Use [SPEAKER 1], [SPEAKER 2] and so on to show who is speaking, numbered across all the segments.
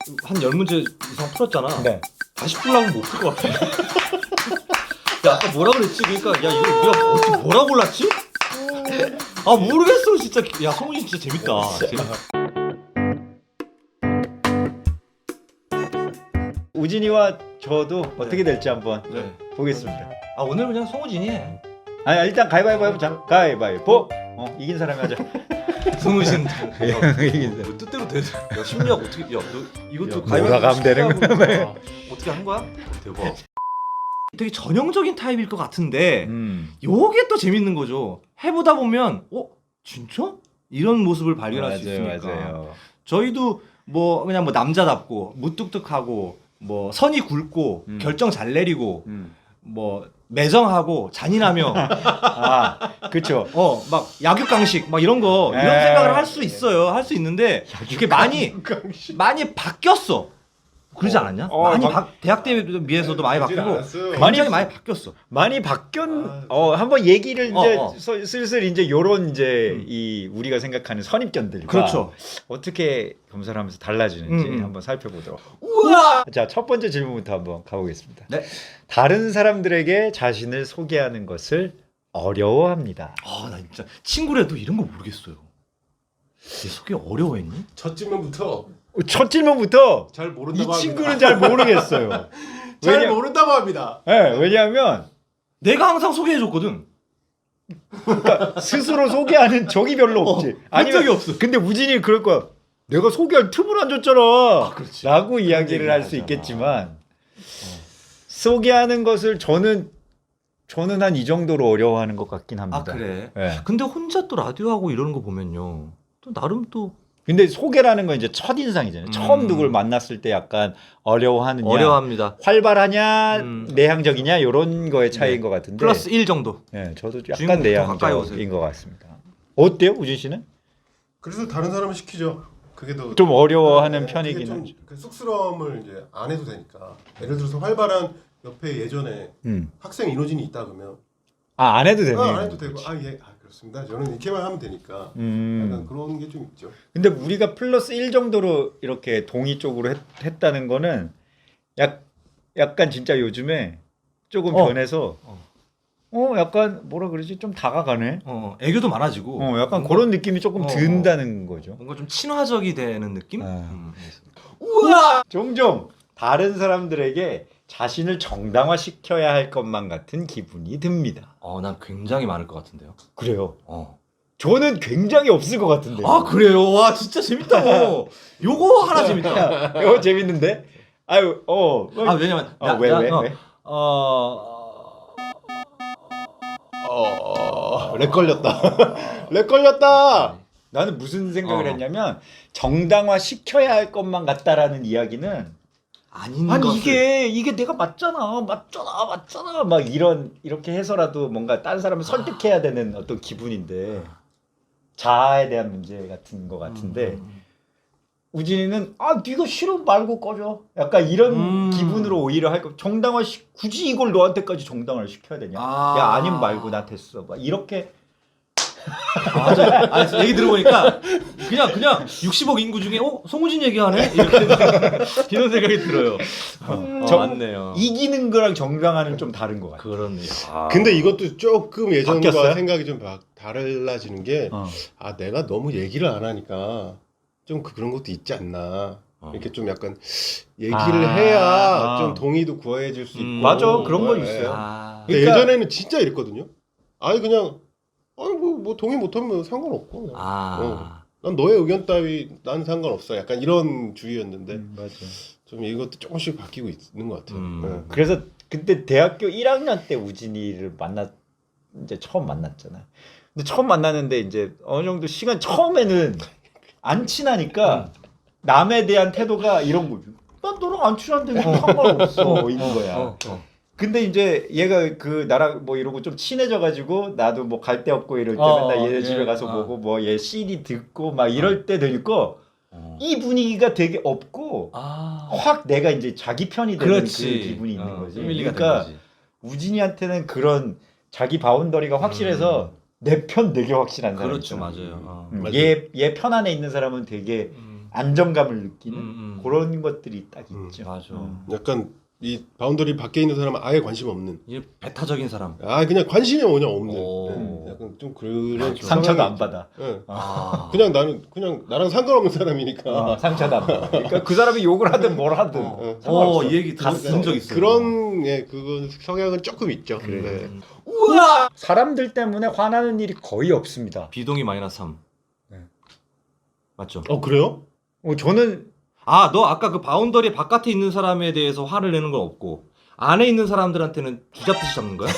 [SPEAKER 1] 한 10문제 이상 풀었잖아.
[SPEAKER 2] 네.
[SPEAKER 1] 다시 풀라면 못 풀 것 같아. 야, 아까 뭐라 그랬지? 그러니까 야 이거 우리가 어떻게 뭐라 골랐지? 아 모르겠어 진짜. 야 성훈이 진짜 재밌다.
[SPEAKER 2] 우진이와 저도 어떻게 될지 한번
[SPEAKER 1] 네.
[SPEAKER 2] 보겠습니다.
[SPEAKER 1] 아 오늘 그냥 성우진이 해.
[SPEAKER 2] 아니 일단 가위바위보 해보자. 가위바위보. 이긴 사람이 하자.
[SPEAKER 1] 성우진.
[SPEAKER 2] 이긴 사람.
[SPEAKER 1] 뭐 뜻대로 돼. 야 심리학 어떻게? 야너 이것도
[SPEAKER 2] 야, 몰아가면 되는
[SPEAKER 1] 거야? 어떻게 한 거야? 대박. 되게 전형적인 타입일 것 같은데 요게 또 재밌는 거죠. 해보다 보면 진짜? 이런 모습을 발견할 수 있으니까.
[SPEAKER 2] 맞아요.
[SPEAKER 1] 저희도 뭐 그냥 뭐 남자답고 무뚝뚝하고 뭐 선이 굵고 결정 잘 내리고 뭐 매정하고 잔인하며
[SPEAKER 2] 그렇죠.
[SPEAKER 1] 막 약육강식 막 이런 거 이런
[SPEAKER 2] 에이.
[SPEAKER 1] 생각을 할 수 있어요. 할 수 있는데 이게 많이 바뀌었어. 그러지 않았냐? 많이 대학 때에 비해서도 많이 바뀌고 굉장히 많이 바뀌었어.
[SPEAKER 2] 많이 한번 얘기를 이제
[SPEAKER 1] 어.
[SPEAKER 2] 슬슬 이제 요런 이제 이 우리가 생각하는 선입견들과
[SPEAKER 1] 그렇죠.
[SPEAKER 2] 어떻게 검사하면서 달라지는지
[SPEAKER 1] 음.
[SPEAKER 2] 한번 살펴보도록.
[SPEAKER 1] 우와!
[SPEAKER 2] 자, 첫 번째 질문부터 한번 가보겠습니다.
[SPEAKER 1] 네.
[SPEAKER 2] 다른 사람들에게 자신을 소개하는 것을 어려워합니다.
[SPEAKER 1] 나 진짜 친구라도 이런 거 모르겠어요. 얘 소개 어려워했니?
[SPEAKER 3] 첫 질문부터
[SPEAKER 2] 첫 질문부터
[SPEAKER 3] 잘
[SPEAKER 2] 이
[SPEAKER 3] 모른다고 합니다.
[SPEAKER 2] 친구는 잘 모르겠어요.
[SPEAKER 3] 잘 모른다고 합니다.
[SPEAKER 2] 네, 왜냐하면
[SPEAKER 1] 내가 항상 소개해줬거든.
[SPEAKER 2] 스스로 소개하는 적이 별로 없지.
[SPEAKER 1] 본 적이 없어.
[SPEAKER 2] 근데 우진이 그럴 거야. 내가 소개할 틈을 안 줬잖아.
[SPEAKER 1] 그렇지.
[SPEAKER 2] 라고 이야기를
[SPEAKER 1] 얘기를
[SPEAKER 2] 할 수
[SPEAKER 1] 하잖아.
[SPEAKER 2] 있겠지만 소개하는 것을 저는 한 이 정도로 어려워하는 것 같긴 합니다.
[SPEAKER 1] 아 그래.
[SPEAKER 2] 네.
[SPEAKER 1] 근데 혼자 또 라디오 하고 이러는 거 보면요. 또 나름 또
[SPEAKER 2] 근데 소개라는 건 이제 첫 인상이잖아요. 처음 누굴 만났을 때 약간 어려워하느냐,
[SPEAKER 1] 어려워합니다.
[SPEAKER 2] 활발하냐, 내향적이냐 이런 거의 차이인 것 같은데.
[SPEAKER 1] 플러스 1 정도.
[SPEAKER 2] 네, 저도
[SPEAKER 1] 주인공부터
[SPEAKER 2] 약간
[SPEAKER 1] 가까이 오세요.
[SPEAKER 2] 내향적인 것 같습니다. 어때요, 우진 씨는?
[SPEAKER 3] 그래서 다른 사람을 시키죠. 그게 더
[SPEAKER 2] 좀 어려워하는
[SPEAKER 3] 그게
[SPEAKER 2] 편이긴
[SPEAKER 3] 좀
[SPEAKER 2] 하죠.
[SPEAKER 3] 그 쑥스러움을 이제 안 해도 되니까. 예를 들어서 활발한 옆에 예전에 학생 인호진이 있다 그러면
[SPEAKER 2] 안 해도 되네.
[SPEAKER 3] 안 해도 되고 그렇습니다. 저는 이렇게만 하면 되니까 약간 그런 게 좀 있죠.
[SPEAKER 2] 근데 우리가 플러스 1 정도로 이렇게 동의 쪽으로 했다는 거는 약간 진짜 요즘에 조금 변해서 약간 뭐라 그러지? 좀 다가가네.
[SPEAKER 1] 애교도 많아지고.
[SPEAKER 2] 약간
[SPEAKER 1] 뭔가,
[SPEAKER 2] 그런 느낌이 조금 든다는 거죠.
[SPEAKER 1] 뭔가 좀 친화적이 되는 느낌?
[SPEAKER 2] 우와! 종종 다른 사람들에게 자신을 정당화시켜야 할 것만 같은 기분이 듭니다.
[SPEAKER 1] 난 굉장히 많을 것 같은데요.
[SPEAKER 2] 그래요. 저는 굉장히 없을 것 같은데.
[SPEAKER 1] 아 그래요? 와 진짜 재밌다. 요거 하나 재밌다.
[SPEAKER 2] 이거 재밌는데?
[SPEAKER 1] 왜냐면
[SPEAKER 2] 왜?
[SPEAKER 3] 렉 걸렸다. 렉 걸렸다.
[SPEAKER 2] 나는 무슨 생각을 했냐면 정당화 시켜야 할 것만 같다라는 이야기는
[SPEAKER 1] 아니
[SPEAKER 2] 이게 내가 맞잖아 막 이렇게 해서라도 뭔가 다른 사람을 설득해야 되는 어떤 기분인데 자아에 대한 문제 같은 거 같은데 우진이는 네가 싫으면 말고 꺼져 약간 이런 기분으로 오히려 할 거 굳이 이걸 너한테까지 정당화를 시켜야 되냐 야 아니면 말고 나 됐어 막 이렇게
[SPEAKER 1] 맞아. 얘기 들어보니까 그냥 60억 인구 중에 송우진 얘기하네 이렇게 이런 생각이 들어요. 맞네요.
[SPEAKER 2] 이기는 거랑 정당화는 좀 다른 것 같아.
[SPEAKER 1] 그렇네요.
[SPEAKER 3] 근데 이것도 조금 예전과
[SPEAKER 2] 바뀌었어요?
[SPEAKER 3] 생각이 좀 달라지는 게 내가 너무 얘기를 안 하니까 좀 그런 것도 있지 않나. 이렇게 좀 약간 얘기를 해야 좀 동의도 구해줄 수 있고.
[SPEAKER 2] 맞아 그런 거 있어요.
[SPEAKER 3] 근데
[SPEAKER 2] 그러니까-
[SPEAKER 3] 예전에는 진짜 이랬거든요. 그냥 뭐 동의 못하면 상관없고. 난 너의 의견 따위 난 상관없어. 약간 이런 주의였는데
[SPEAKER 2] 맞아.
[SPEAKER 3] 좀 이것도 조금씩 바뀌고 있는 것 같아요. 네.
[SPEAKER 2] 그래서 그때 대학교 1학년 때 우진이를 이제 처음 만났잖아. 근데 처음 만났는데 이제 어느 정도 시간 처음에는 안 친하니까 남에 대한 태도가 이런 거죠. 난 너랑 안 친한데 상관없어 이런 거야. 근데 이제 얘가 나랑 뭐 이러고 좀 친해져가지고 나도 뭐 갈 데 없고 이럴 때 맨날 얘 집에 가서 보고 뭐 얘 CD 듣고 막 이럴 때 되니까 이 분위기가 되게 없고 확 내가 이제 자기 편이 되는 그 기분이 있는 거지. 그러니까 우진이한테는 그런 자기 바운더리가 확실해서 내 편 되게 확실한 사람.
[SPEAKER 1] 그렇죠, 맞아요.
[SPEAKER 3] 맞아요.
[SPEAKER 2] 얘 편 안에 있는 사람은 되게 안정감을 느끼는 그런 것들이 딱 있죠.
[SPEAKER 1] 맞아.
[SPEAKER 3] 약간 이 바운더리 밖에 있는 사람은 아예 관심 없는.
[SPEAKER 1] 이게 배타적인 사람.
[SPEAKER 3] 아 그냥 관심이 그냥 없는.
[SPEAKER 1] 오.
[SPEAKER 3] 네, 약간 좀 그런
[SPEAKER 2] 상처도 안
[SPEAKER 3] 성향이
[SPEAKER 2] 받아.
[SPEAKER 3] 있죠. 네.
[SPEAKER 1] 아.
[SPEAKER 3] 그냥 나랑 상관없는 사람이니까.
[SPEAKER 2] 상처도 안 받아. 그러니까 그 사람이 욕을 하든 뭘 하든.
[SPEAKER 1] 이 얘기 들은 적 있어요.
[SPEAKER 3] 그런 그건 성향은 조금 있죠.
[SPEAKER 2] 그래.
[SPEAKER 3] 네.
[SPEAKER 2] 우와! 사람들 때문에 화나는 일이 거의 없습니다.
[SPEAKER 1] 비동이 -3.
[SPEAKER 2] 네.
[SPEAKER 1] 맞죠?
[SPEAKER 3] 그래요?
[SPEAKER 2] 저는
[SPEAKER 1] 아, 너 아까 그 바운더리 바깥에 있는 사람에 대해서 화를 내는 건 없고 안에 있는 사람들한테는 쥐잡듯이 잡는 거야?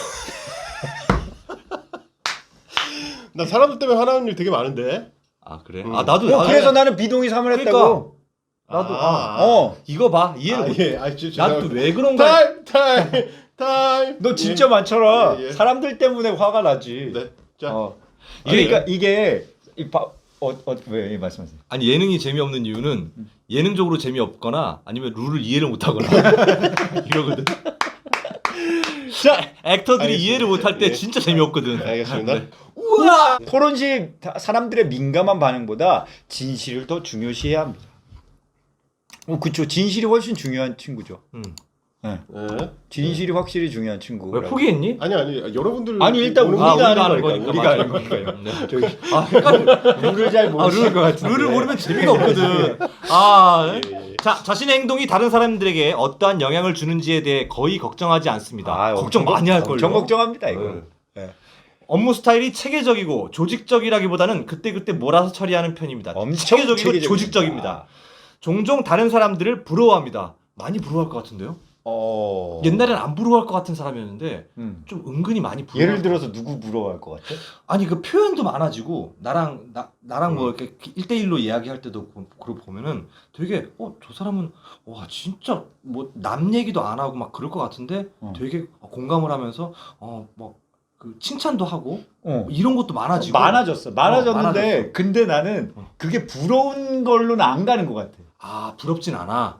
[SPEAKER 3] 나 사람들 때문에 화나는 일 되게 많은데.
[SPEAKER 1] 아, 그래? 아, 나도
[SPEAKER 2] 그래서 나는 비동의 3을 했다고. 나도
[SPEAKER 1] 이거 봐. 이해를 못.
[SPEAKER 3] 예.
[SPEAKER 1] 난 또 왜 그런가?
[SPEAKER 3] 타임.
[SPEAKER 2] 너 진짜 많잖아.
[SPEAKER 3] 예.
[SPEAKER 2] 사람들 때문에 화가 나지.
[SPEAKER 3] 네. 자.
[SPEAKER 2] 그러니까 이게 왜 말씀하세요?
[SPEAKER 1] 아니, 예능이 재미없는 이유는 예능적으로 재미없거나 아니면 룰을 이해를 못 하거나 이러거든. 자, 액터들이
[SPEAKER 3] 알겠습니다.
[SPEAKER 1] 이해를 못 할 때
[SPEAKER 3] 예.
[SPEAKER 1] 진짜 재미없거든.
[SPEAKER 3] 알겠습니다.
[SPEAKER 1] 네.
[SPEAKER 2] 우와! 토론식 사람들의 민감한 반응보다 진실을 더 중요시해야 합니다. 그쵸. 진실이 훨씬 중요한 친구죠.
[SPEAKER 3] 네.
[SPEAKER 2] 진실이 확실히 중요한 친구.
[SPEAKER 1] 왜 포기했니?
[SPEAKER 3] 아니 여러분들
[SPEAKER 2] 아니 일단
[SPEAKER 3] 보는
[SPEAKER 2] 우리가
[SPEAKER 3] 거-
[SPEAKER 2] 아는 거니까. 우리가 아는
[SPEAKER 1] 맞아.
[SPEAKER 2] 거니까요.
[SPEAKER 1] 네.
[SPEAKER 2] 저기
[SPEAKER 1] 아, 헷갈려.
[SPEAKER 2] 룰을 잘 모르는 것 같은데.
[SPEAKER 1] 룰을 모르면 재미가 없거든. 아,
[SPEAKER 3] 예.
[SPEAKER 1] 자, 자신의 행동이 다른 사람들에게 어떠한 영향을 주는지에 대해 거의 걱정하지 않습니다. 걱정 많이 할 걸요.
[SPEAKER 2] 엄청 걱정합니다 이거.
[SPEAKER 1] 네. 업무 스타일이 체계적이고 조직적이라기보다는 그때그때 몰아서 처리하는 편입니다.
[SPEAKER 2] 엄청
[SPEAKER 1] 체계적이고
[SPEAKER 2] 체계적입니다.
[SPEAKER 1] 조직적입니다. 종종 다른 사람들을 부러워합니다. 많이 부러워할 것 같은데요? 옛날엔 안 부러워할 것 같은 사람이었는데 좀 은근히 많이 부러워.
[SPEAKER 2] 예를 들어서 누구 부러워할 것 같아?
[SPEAKER 1] 아니 그 표현도 많아지고 나랑 뭐 이렇게 1대1로 이야기할 때도 그러고 보면은 되게 저 사람은 와 진짜 뭐 남 얘기도 안 하고 막 그럴 것 같은데 되게 공감을 하면서 막 그 칭찬도 하고 이런 것도 많아지고
[SPEAKER 2] 많아졌는데
[SPEAKER 1] 많아졌어.
[SPEAKER 2] 근데 나는 그게 부러운 걸로는 안 가는 것 같아.
[SPEAKER 1] 아 부럽진 않아.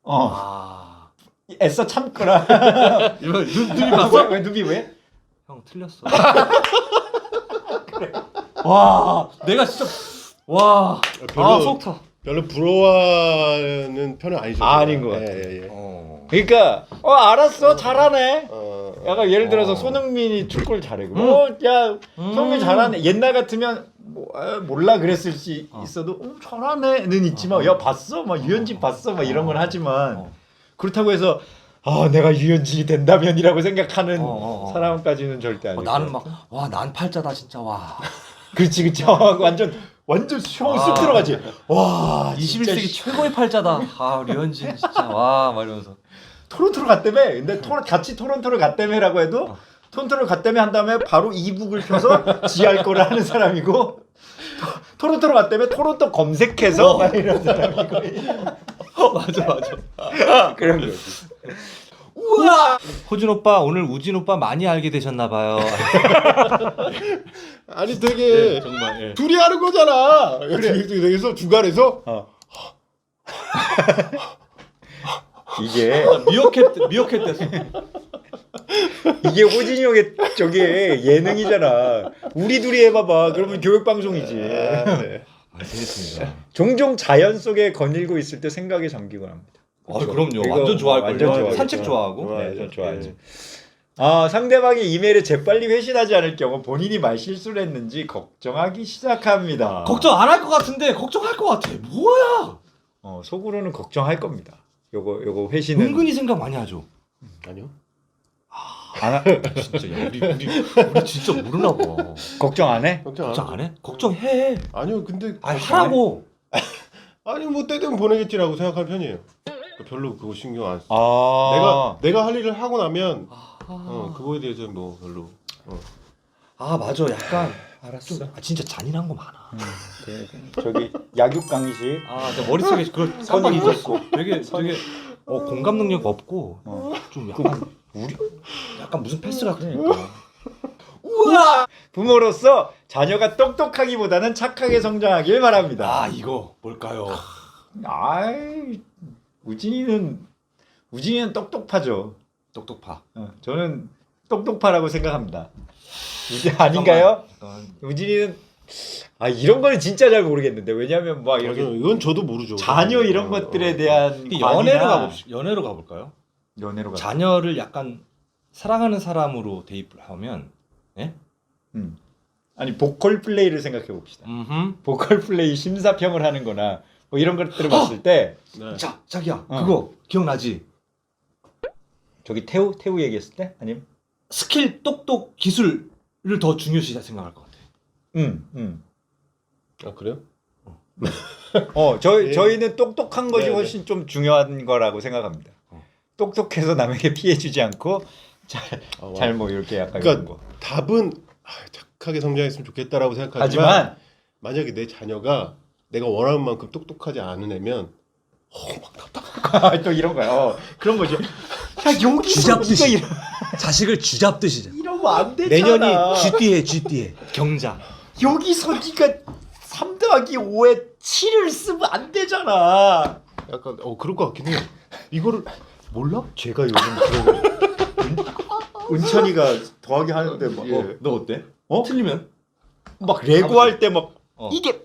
[SPEAKER 2] 애써 참거라.
[SPEAKER 1] 눈이 봤어?
[SPEAKER 2] 왜 눈이 왜?
[SPEAKER 1] 형 틀렸어. 그래. 와 내가 진짜 와 속 타.
[SPEAKER 3] 별로 부러워하는 편은 아니죠.
[SPEAKER 2] 아닌 것 같아.
[SPEAKER 3] 예.
[SPEAKER 2] 그러니까 알았어 잘하네. 약간 예를 들어서
[SPEAKER 1] 어.
[SPEAKER 2] 손흥민이 축구를 잘해. 야 손흥민 잘하네. 옛날 같으면 몰라 그랬을 수 있어도 잘하네는 있지만 야 봤어? 막 유현진 봤어? 막 이런 건 하지만 그렇다고 해서 내가 유현진이 된다면이라고 생각하는 사람까지는 절대 아니고.
[SPEAKER 1] 나는 막 와 난 팔자다 진짜 와.
[SPEAKER 2] 그렇지 완전 쑥 들어가지. 와
[SPEAKER 1] 21세기 최고의 팔자다. 류현진 진짜 와 막 이러면서.
[SPEAKER 2] 토론토를 갔다며. 근데 같이 토론토를 갔다며라고 해도 토론토를 갔다며 한 다음에 바로 이북을 펴서 지할 거를 하는 사람이고 토론토를 갔다며 토론토 검색해서 막 이런 사람이고.
[SPEAKER 1] 맞아.
[SPEAKER 2] 그런 거지.
[SPEAKER 1] 우와. 호준 오빠 오늘 우진 오빠 많이 알게 되셨나 봐요.
[SPEAKER 3] 아니 되게
[SPEAKER 1] 정말.
[SPEAKER 3] 둘이 하는 거잖아. 그래서 중간에서
[SPEAKER 2] 이게
[SPEAKER 1] 미어캣 됐어.
[SPEAKER 2] 이게 호진이 형의 저게 예능이잖아. 우리 둘이 해봐봐. 그러면 교육방송이지.
[SPEAKER 1] 재밌습니다.
[SPEAKER 2] 종종 자연 속에 거닐고 있을 때 생각에 잠기곤 합니다.
[SPEAKER 1] 그럼요.
[SPEAKER 2] 이거
[SPEAKER 1] 완전 좋아할
[SPEAKER 2] 완전
[SPEAKER 1] 거예요.
[SPEAKER 2] 좋아하겠죠.
[SPEAKER 1] 산책 좋아하고.
[SPEAKER 2] 네, 전 좋아하지. 상대방의 이메일에 재빨리 회신하지 않을 경우 본인이 말 실수를 했는지 걱정하기 시작합니다.
[SPEAKER 1] 걱정 안 할 것 같은데 걱정할 것 같아. 뭐야?
[SPEAKER 2] 속으로는 걱정할 겁니다. 요거 회신은
[SPEAKER 1] 은근히 생각 많이 하죠.
[SPEAKER 3] 아니요.
[SPEAKER 1] 진짜 우리 진짜 모르나 봐.
[SPEAKER 2] 걱정 안 해?
[SPEAKER 1] 걱정 안 해? 걱정해.
[SPEAKER 3] 아니요. 근데
[SPEAKER 1] 하라고.
[SPEAKER 3] 아니 뭐 때되면 보내겠지라고 생각할 편이에요. 별로 그거 신경 안 써. 내가 할 일을 하고 나면 그거에 대해서 뭐 별로.
[SPEAKER 1] 맞아. 약간
[SPEAKER 2] 알았어.
[SPEAKER 1] 좀, 진짜 잔인한 거 많아.
[SPEAKER 2] 저기 약육 강의식.
[SPEAKER 1] 내 머릿속에 그걸 깜빡 잊었어. 되게 공감 능력 없고 좀 약간 무슨 패스가 그러니까.
[SPEAKER 2] 우와! 부모로서 자녀가 똑똑하기보다는 착하게 성장하길 바랍니다.
[SPEAKER 1] 이거 뭘까요?
[SPEAKER 2] 우진이는 똑똑파죠.
[SPEAKER 1] 똑똑파.
[SPEAKER 2] 저는 똑똑파라고 생각합니다. 아닌가요? 우진이는 아 이런 거는 진짜 잘 모르겠는데 왜냐하면 막 이렇게
[SPEAKER 3] 맞아요. 이건 저도 모르죠.
[SPEAKER 2] 자녀 이런 것들에 대한
[SPEAKER 1] 연애로 가볼까요?
[SPEAKER 2] 연애로 가.
[SPEAKER 1] 자녀를 약간 사랑하는 사람으로 대입을 하면, 예?
[SPEAKER 2] 아니 보컬 플레이를 생각해 봅시다. 보컬 플레이 심사평을 하는거나 뭐 이런 것들을 봤을 때
[SPEAKER 3] 네.
[SPEAKER 1] 자, 자기야, 그거 기억나지?
[SPEAKER 2] 저기 태우 얘기했을 때 아니면
[SPEAKER 1] 스킬, 똑똑, 기술을 더 중요시 생각할 것 같아.
[SPEAKER 3] 아 그래요?
[SPEAKER 2] 저희는 똑똑한 것이
[SPEAKER 3] 네네.
[SPEAKER 2] 훨씬 좀 중요한 거라고 생각합니다. 똑똑해서 남에게 피해 주지 않고 잘 뭐 이렇게 약간 이런
[SPEAKER 3] 그러니까
[SPEAKER 2] 거.
[SPEAKER 3] 답은 착하게 성장했으면 좋겠다라고 생각하지만
[SPEAKER 2] 하지만
[SPEAKER 3] 만약에 내 자녀가 내가 원하는 만큼 똑똑하지 않은 애면
[SPEAKER 2] 또 이런 거야. 그런 거죠. 야 여기서 네가
[SPEAKER 1] 자식을 쥐잡듯이.
[SPEAKER 2] 이러면 안 되잖아.
[SPEAKER 1] 내년이 쥐띠에 경자.
[SPEAKER 2] 여기서 네가 3 더하기 5에 7을 쓰면 안 되잖아.
[SPEAKER 3] 약간 그럴 것 같긴 해요. 이거를 몰라?
[SPEAKER 2] 제가 요즘 그런 은찬이가 더하기 하는데 막,
[SPEAKER 3] 예.
[SPEAKER 1] 너 어때?
[SPEAKER 2] 어?
[SPEAKER 1] 틀리면?
[SPEAKER 2] 막 레고 할 때 막 이게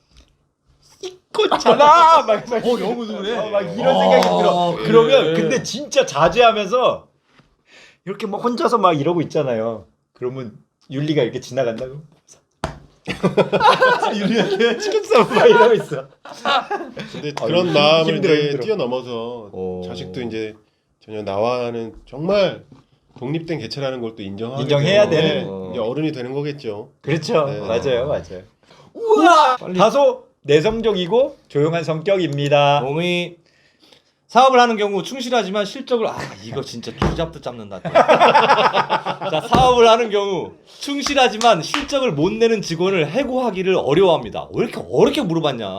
[SPEAKER 2] 이거잖아. 막
[SPEAKER 1] 너무 그래.
[SPEAKER 2] 막 이런 생각이 들어.
[SPEAKER 1] 그래.
[SPEAKER 2] 그러면 근데 진짜 자제하면서 이렇게 막 혼자서 막 이러고 있잖아요. 그러면 윤리가 이렇게 지나간다고. 윤리한테 치킨 싸움 막 이러고 있어.
[SPEAKER 3] 근데 그런 마음을
[SPEAKER 2] 힘들어,
[SPEAKER 3] 이제
[SPEAKER 2] 힘들어.
[SPEAKER 3] 뛰어넘어서 자식도 이제 전혀 나와는 정말 독립된 개체라는 걸 또
[SPEAKER 2] 인정해야 되는.
[SPEAKER 3] 이제 어른이 되는 거겠죠.
[SPEAKER 2] 그렇죠.
[SPEAKER 3] 네.
[SPEAKER 2] 맞아요. 우와. 다소 내성적이고 조용한 성격입니다.
[SPEAKER 1] 동의. 사업을 하는 경우 충실하지만 실적을 이거 진짜 쥐잡듯 잡는다. 자, 사업을 하는 경우 충실하지만 실적을 못 내는 직원을 해고하기를 어려워합니다. 왜 이렇게 어렵게 물어봤냐?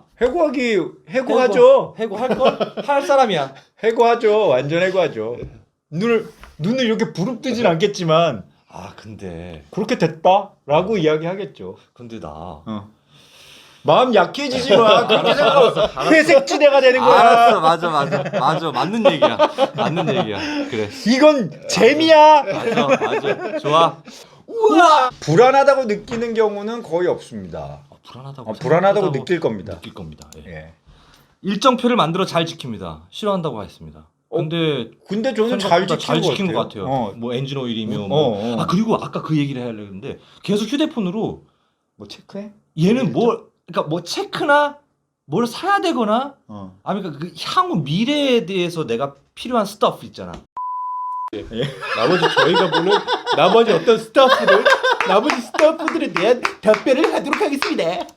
[SPEAKER 2] 해고하죠.
[SPEAKER 1] 해고할 걸? 할 사람이야.
[SPEAKER 2] 해고하죠. 완전 해고하죠. 눈을 이렇게 부릅뜨진 않겠지만
[SPEAKER 1] 근데
[SPEAKER 2] 그렇게 됐다라고 이야기하겠죠.
[SPEAKER 1] 근데 나
[SPEAKER 2] 마음 약해지지 마. 그렇게 생각하면 회색지대가 되는 거야.
[SPEAKER 1] 알았어, 맞아, 맞는 얘기야. 그래.
[SPEAKER 2] 이건 재미야.
[SPEAKER 1] 맞아, 좋아.
[SPEAKER 2] 우와. 불안하다고 느끼는 경우는 거의 없습니다. 불안하다고 느낄 겁니다.
[SPEAKER 1] 예.
[SPEAKER 2] 예.
[SPEAKER 1] 일정표를 만들어 잘 지킵니다. 싫어한다고 했습니다. 근데
[SPEAKER 2] 저는 잘
[SPEAKER 1] 지킨 것 같아요. 뭐 엔진 오일이며 그리고 아까 그 얘기를 하려고 했는데 계속 휴대폰으로
[SPEAKER 2] 뭐 체크해?
[SPEAKER 1] 얘는 그러니까 뭐 체크나 뭘 사야 되거나 그러니까 그 향후 미래에 대해서 내가 필요한 스타프 있잖아.
[SPEAKER 3] 저희가 보는 나머지 어떤 나머지 스타프들에 대한 답변을 하도록 하겠습니다.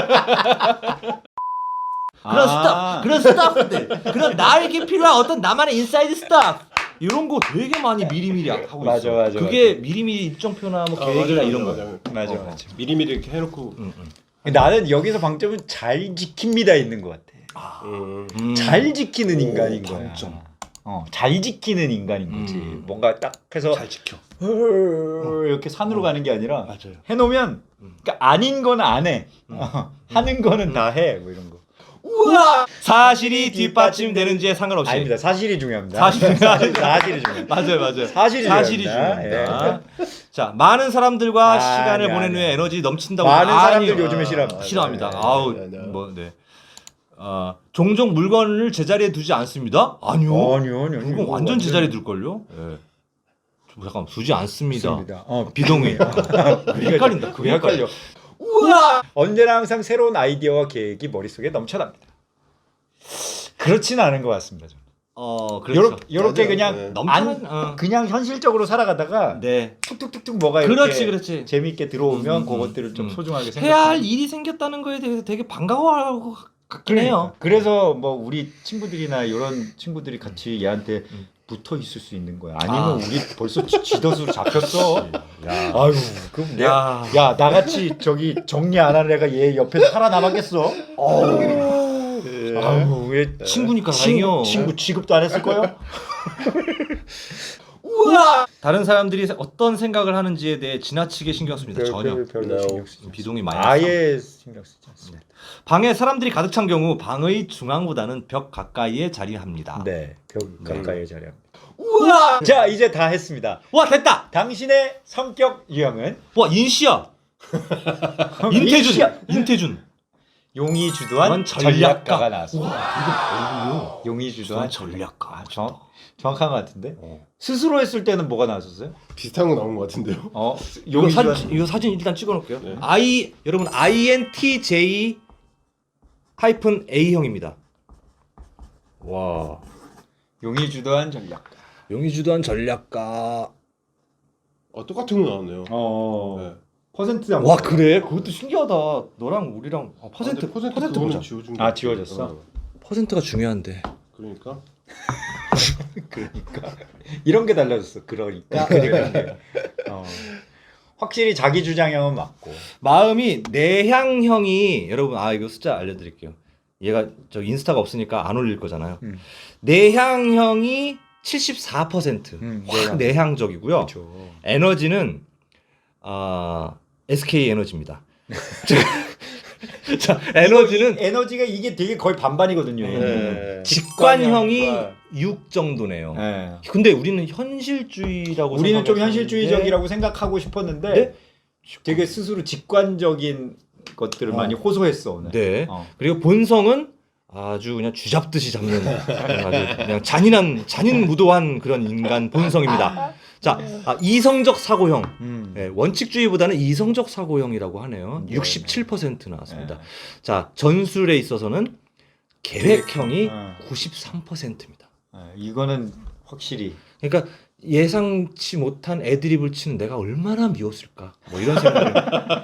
[SPEAKER 1] 그런 스타프들, 그런 나에게 필요한 어떤 나만의 인사이드 스타프 이런 거 되게 많이 미리미리 하고 있어.
[SPEAKER 2] 맞아.
[SPEAKER 1] 그게 미리미리 일정표나 뭐 계획이나 이런 거.
[SPEAKER 3] 맞아. 미리미리 이렇게 해놓고
[SPEAKER 2] 나는 여기서 방점은 잘 지킵니다 있는 것 같아. 잘 지키는 인간인 거야.
[SPEAKER 1] 방점.
[SPEAKER 2] 잘 지키는 인간인 거지. 뭔가 딱 해서
[SPEAKER 1] 잘 지켜.
[SPEAKER 2] 이렇게 산으로 가는 게 아니라
[SPEAKER 1] 맞아요.
[SPEAKER 2] 해놓으면 그러니까 아닌 건 안 해. 하는 거는 다 해. 뭐 이런 거.
[SPEAKER 1] 우와! 사실이 뒷받침되는지에 상관없이.
[SPEAKER 2] 아닙니다. 사실이 중요합니다.
[SPEAKER 1] 사실이
[SPEAKER 2] 중요합니다.
[SPEAKER 1] 맞아요.
[SPEAKER 2] 사실이
[SPEAKER 1] 중요합니다. 자, 많은 사람들과 시간을 보낸 후에 에너지 넘친다고.
[SPEAKER 2] 많은 사람들 요즘에
[SPEAKER 1] 싫어합니다. 종종 물건을 제자리에 두지 않습니다. 아니요. 물건 완전 제자리에 둘걸요? 예. 잠깐 두지 않습니다. 비동의. 헷갈린다.
[SPEAKER 2] 그게 헷갈려. 우와! 언제나 항상 새로운 아이디어와 계획이 머릿속에 넘쳐납니다. 그렇지는 않은 것 같습니다. 저는.
[SPEAKER 1] 그렇죠.
[SPEAKER 2] 요렇게 그냥 그냥 현실적으로 살아가다가 툭툭툭툭 뭐가 이렇게
[SPEAKER 1] 그렇지.
[SPEAKER 2] 재미있게 들어오면 그것들을 좀 소중하게 생각해요.
[SPEAKER 1] 해야 할 일이 생겼다는 거에 대해서 되게 반가워하고 같긴 해요.
[SPEAKER 2] 그래서 뭐 우리 친구들이나 이런 친구들이 같이 얘한테 붙어 있을 수 있는 거야. 아니면 우리 벌써 쥐덫으로 잡혔어. 아유, 그럼 야 나같이 저기 정리 안 하는 애가 얘 옆에서 살아남았겠어? 아유, 왜
[SPEAKER 1] 친구니까 다행이요.
[SPEAKER 2] 친구 취급도 안 했을 거요?
[SPEAKER 1] 우와! 다른 사람들이 어떤 생각을 하는지에 대해 지나치게 신경 씁니다. 전혀.
[SPEAKER 2] 별로 신경 쓰지
[SPEAKER 1] 비동이 많이
[SPEAKER 2] 아예 신경 쓰지 않습니다.
[SPEAKER 1] 방에 사람들이 가득 찬 경우 방의 중앙보다는 벽 가까이에 자리합니다.
[SPEAKER 2] 네, 벽 가까이에 자리합니다. 우와! 자, 이제 다 했습니다.
[SPEAKER 1] 와, 됐다.
[SPEAKER 2] 당신의 성격 유형은?
[SPEAKER 1] 와, 인씨야. 인태준.
[SPEAKER 2] 용이 주도한
[SPEAKER 1] 그런
[SPEAKER 2] 전략가가 나왔습니다.
[SPEAKER 1] 와,
[SPEAKER 2] 용이 주도한
[SPEAKER 1] 전략가.
[SPEAKER 2] 아, 정확한 것 같은데. 스스로 했을 때는 뭐가 나왔었어요?
[SPEAKER 3] 비슷한 거 나온 것 같은데요.
[SPEAKER 1] 이거 사진 일단 찍어놓을게요.
[SPEAKER 3] 네.
[SPEAKER 1] 여러분 INTJ A형입니다. 와,
[SPEAKER 2] 용이 주도한 전략가.
[SPEAKER 1] 용이 주도한 전략가.
[SPEAKER 3] 똑같은 거 나왔네요. 네.
[SPEAKER 2] 퍼센트
[SPEAKER 1] 와 그래? 그것도 신기하다. 너랑 우리랑 퍼센트
[SPEAKER 3] 퍼센트
[SPEAKER 1] 보자.
[SPEAKER 3] 그거는 지워준 거.
[SPEAKER 2] 아, 지워졌어?
[SPEAKER 1] 퍼센트가 중요한데.
[SPEAKER 3] 그러니까
[SPEAKER 2] 이런 게 달라졌어. 그러니까. 확실히 자기 주장형은 맞고.
[SPEAKER 1] 마음이 내향형이 여러분 이거 숫자 알려드릴게요. 얘가 저 인스타가 없으니까 안 올릴 거잖아요. 내향형이 74%. 확 내향적이고요.
[SPEAKER 2] 그렇죠.
[SPEAKER 1] 에너지는 SK 에너지입니다. 자,
[SPEAKER 2] 에너지가 이게 되게 거의 반반이거든요.
[SPEAKER 3] 네.
[SPEAKER 1] 직관형이 6 정도네요.
[SPEAKER 2] 네.
[SPEAKER 1] 근데 우리는 현실주의라고
[SPEAKER 2] 우리는 좀
[SPEAKER 1] 생각했었는데
[SPEAKER 2] 현실주의적이라고 생각하고 싶었는데
[SPEAKER 1] 네?
[SPEAKER 2] 되게 스스로 직관적인 것들을 많이 호소했어 오늘.
[SPEAKER 1] 네. 그리고 본성은 아주 그냥 쥐잡듯이 잡는 아주 그냥 잔인무도한 그런 인간 본성입니다. 자, 이성적 사고형. 네, 원칙주의보다는 이성적 사고형이라고 하네요. 67% 나왔습니다. 자, 전술에 있어서는 계획형이 93%입니다.
[SPEAKER 2] 이거는 확실히.
[SPEAKER 1] 그러니까 예상치 못한 애드립을 치는 내가 얼마나 미웠을까. 뭐 이런 생각을.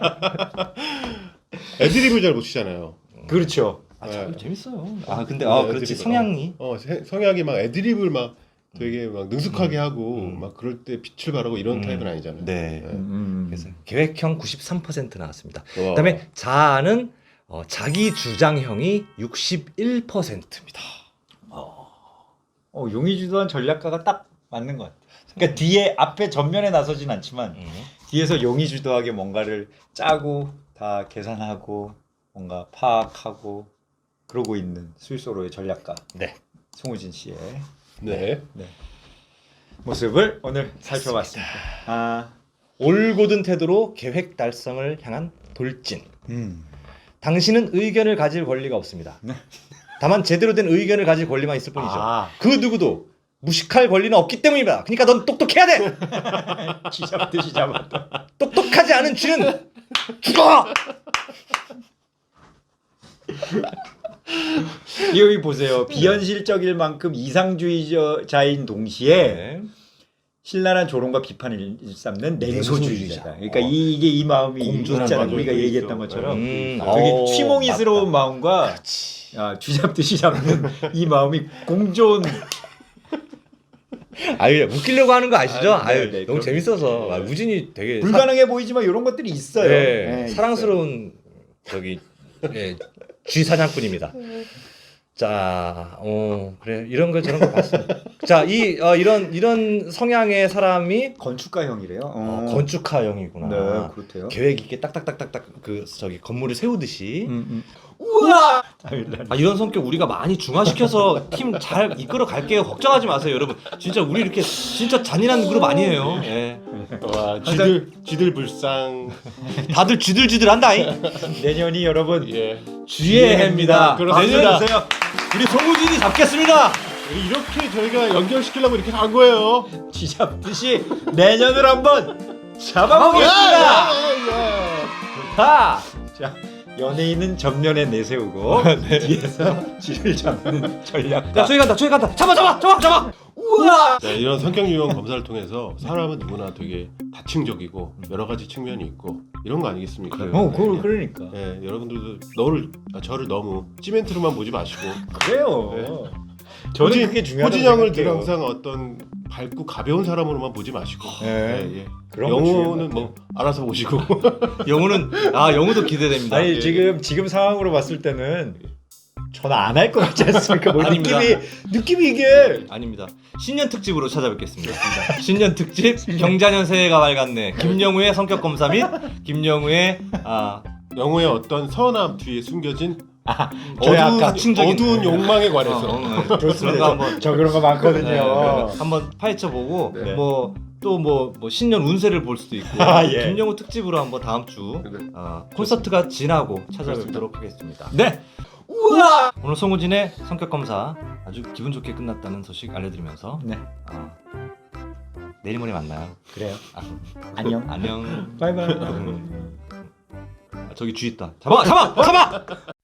[SPEAKER 3] 애드립을 잘 못 치잖아요.
[SPEAKER 2] 그렇죠.
[SPEAKER 1] 참 재밌어요. 근데
[SPEAKER 3] 네,
[SPEAKER 1] 그렇지
[SPEAKER 3] 애드립.
[SPEAKER 1] 성향이.
[SPEAKER 3] 성향이 막 애드립을 막 되게 막 능숙하게 하고 막 그럴 때 빛을 발하고 이런 타입은 아니잖아요.
[SPEAKER 1] 네. 그래서 계획형 93% 나왔습니다.
[SPEAKER 3] 와.
[SPEAKER 1] 그다음에 자아는 자기 주장형이 61%입니다.
[SPEAKER 2] 용이 주도한 전략가가 딱 맞는 것 같아요. 그러니까 뒤에 앞에 전면에 나서진 않지만 뒤에서 용이 주도하게 뭔가를 짜고 다 계산하고 뭔가 파악하고 그러고 있는 스위스로의 전략가.
[SPEAKER 1] 네.
[SPEAKER 2] 송우진 씨의
[SPEAKER 3] 네.
[SPEAKER 2] 모습을 오늘 살펴봤습니다.
[SPEAKER 1] 올곧은 태도로 계획 달성을 향한 돌진. 당신은 의견을 가질 권리가 없습니다. 다만 제대로 된 의견을 가질 권리만 있을 뿐이죠. 그 누구도 무식할 권리는 없기 때문입니다. 그러니까 넌 똑똑해야 돼.
[SPEAKER 2] 쥐잡듯이 잡았다.
[SPEAKER 1] 똑똑하지 않은 쥐는 죽어.
[SPEAKER 2] 여기 보세요. 비현실적일 만큼 이상주의자인 동시에
[SPEAKER 1] 네.
[SPEAKER 2] 신랄한 조롱과 비판을 일삼는 냉소주의자다. 그러니까 이게 이 마음이 있잖아. 우리가 얘기했던 것처럼 되게 취몽이스러운 마음과 쥐잡듯이 잡는 이 마음이 공존.
[SPEAKER 1] 웃기려고 하는 거 아시죠?
[SPEAKER 2] 네,
[SPEAKER 1] 너무 재밌어서 우진이 되게
[SPEAKER 2] 불가능해 보이지만 이런 것들이 있어요.
[SPEAKER 1] 네,
[SPEAKER 2] 네,
[SPEAKER 1] 사랑스러운 쥐 사냥꾼입니다. 자, 그래 이런 거 저런 거 봤습니다. 자, 이런 성향의 사람이
[SPEAKER 2] 건축가형이래요.
[SPEAKER 1] 건축가형이구나.
[SPEAKER 2] 네, 그렇대요.
[SPEAKER 1] 계획 있게 딱딱딱딱딱 건물을 세우듯이.
[SPEAKER 2] 우와!
[SPEAKER 1] 이런 성격 우리가 많이 중화시켜서 팀 잘 이끌어 갈게요. 걱정하지 마세요, 여러분. 진짜 우리 이렇게 진짜 잔인한 그룹 아니에요. 예.
[SPEAKER 3] 와, 쥐들 불쌍.
[SPEAKER 1] 다들 쥐들쥐들한다잉.
[SPEAKER 2] 내년이 여러분
[SPEAKER 1] 쥐의 해입니다.
[SPEAKER 3] 그렇습니다.
[SPEAKER 1] 내년 우리 송우진이 잡겠습니다.
[SPEAKER 3] 이렇게 저희가 연결시키려고 이렇게 한 거예요.
[SPEAKER 2] 쥐잡듯이 내년을 한번 잡아보겠습니다. 좋다. 자, 연예인은 전면에 내세우고 뒤에서 쥐를 잡는 전략가.
[SPEAKER 1] 야, 저기 간다. 잡아. 우와.
[SPEAKER 3] 자, 이런 성격 유형 검사를 통해서 사람은 누구나 되게 다층적이고 여러 가지 측면이 있고 이런 거 아니겠습니까?
[SPEAKER 2] 그러니까.
[SPEAKER 3] 네, 여러분들도 저를 너무 시멘트로만 보지 마시고
[SPEAKER 2] 그래요. 저는 그게 중요하다고
[SPEAKER 3] 호진형을 늘
[SPEAKER 2] 생각해요.
[SPEAKER 3] 항상 어떤 밝고 가벼운 사람으로만 보지 마시고
[SPEAKER 2] 그런 거
[SPEAKER 3] 영호는
[SPEAKER 2] 중요한
[SPEAKER 3] 뭐 알아서 보시고
[SPEAKER 1] 영우도 기대됩니다.
[SPEAKER 2] 아니
[SPEAKER 1] 예.
[SPEAKER 2] 지금 상황으로 봤을 때는 저는 안 할 것 같지 않습니까? 뭐
[SPEAKER 1] 아닙니다.
[SPEAKER 2] 느낌이 이게
[SPEAKER 1] 아닙니다. 신년 특집으로 찾아뵙겠습니다. 신년 특집 경자년 새해가 밝았네. 김영우의 성격 검사 및 김영우의
[SPEAKER 3] 영호의 어떤 선함 뒤에 숨겨진
[SPEAKER 1] 가충적인
[SPEAKER 3] 어두운 욕망에 관해서
[SPEAKER 1] 그런 거 한번
[SPEAKER 2] 저 그런 거 많거든요.
[SPEAKER 1] 한번 파헤쳐 보고
[SPEAKER 2] 네.
[SPEAKER 1] 뭐 또 뭐 신년 운세를 볼 수도 있고
[SPEAKER 2] 예.
[SPEAKER 1] 김영우 특집으로 한번 다음 주
[SPEAKER 3] 네.
[SPEAKER 1] 콘서트가 지나고 찾아뵙도록 하겠습니다.
[SPEAKER 2] 네.
[SPEAKER 1] 우와! 오늘 송우진의 성격 검사 아주 기분 좋게 끝났다는 소식 알려드리면서
[SPEAKER 2] 네.
[SPEAKER 1] 내일 모레 만나요.
[SPEAKER 2] 그래요. 안녕.
[SPEAKER 1] 안녕.
[SPEAKER 2] 바이바이.
[SPEAKER 1] 저기 쥐 있다. 잡아!